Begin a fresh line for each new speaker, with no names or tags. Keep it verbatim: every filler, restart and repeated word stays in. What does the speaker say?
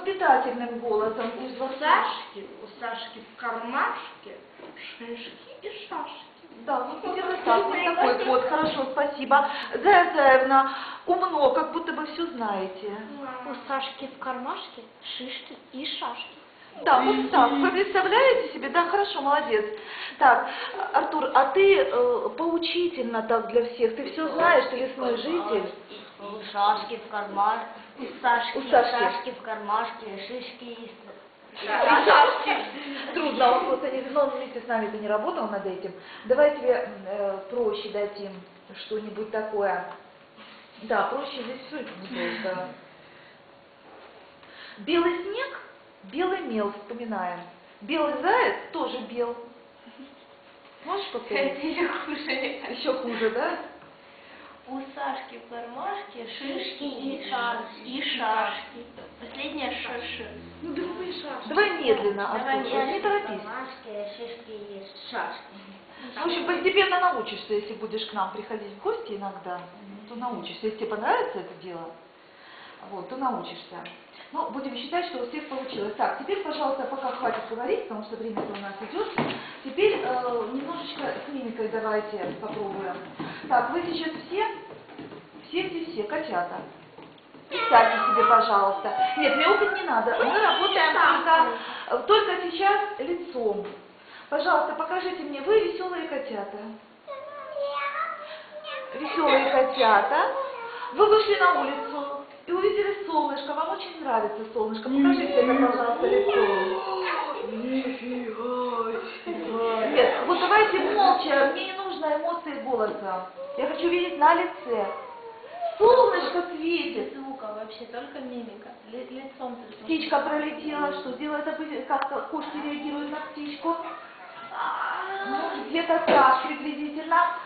воспитательным голосом.
У Сашки, у Сашки в кармашке шишки и шашки.
Да, вот где-то так, вот такой вот, хорошо, спасибо. Зая Заевна, умно, как будто бы все знаете.
У Сашки в кармашке шишки и шашки.
Да, вот так. Вы представляете себе? Да, хорошо, молодец. Так, Артур, а ты э, поучительно так для всех. Ты все знаешь, ты лесной житель.
У Сашки в кармашке, у Сашки,
У Сашки.
Сашки в кармашке шишки и
Шашки. Трудно, он просто не, ну, он вместе с нами-то не работал над этим. Давай тебе э, проще дадим что-нибудь такое. Да, проще здесь все не просто. Белый снег, белый мел, вспоминаем. Белый заяц тоже бел. Можешь повторить?
Еще хуже.
Еще хуже, да?
У Сашки в кармашке шишки и
шашки.
И шашки. Последняя шаши. Ну давай шашки.
Давай медленно,
Давай
Артур, не
не
торопись.
кармашке шишки и шашки.
В общем, постепенно научишься, если будешь к нам приходить в гости иногда, то научишься. Если тебе понравится это дело, вот, то научишься. Ну, будем считать, что у всех получилось. Так, теперь, пожалуйста, пока хватит говорить, потому что время у нас идет. Теперь э, немножечко с мимикой давайте попробуем. Так, вы сейчас все, все-все-все, котята. Представьте себе, пожалуйста. Нет, мяукать не надо. Мы работаем только, только сейчас лицом. Пожалуйста, покажите мне, вы веселые котята. Веселые котята. Вы вышли на улицу и увидели солнышко. Вам очень нравится солнышко. Покажите это, пожалуйста, лицо. Нет, вот давайте молча. Мне не нужно эмоции голоса. Я хочу видеть на лице. Солнышко светит.
Звука вообще, только мимика. Ли- Лицом. ты
Птичка пролетела. Что делает? Как кошки реагируют на птичку? Ну, где-то так приблизительно.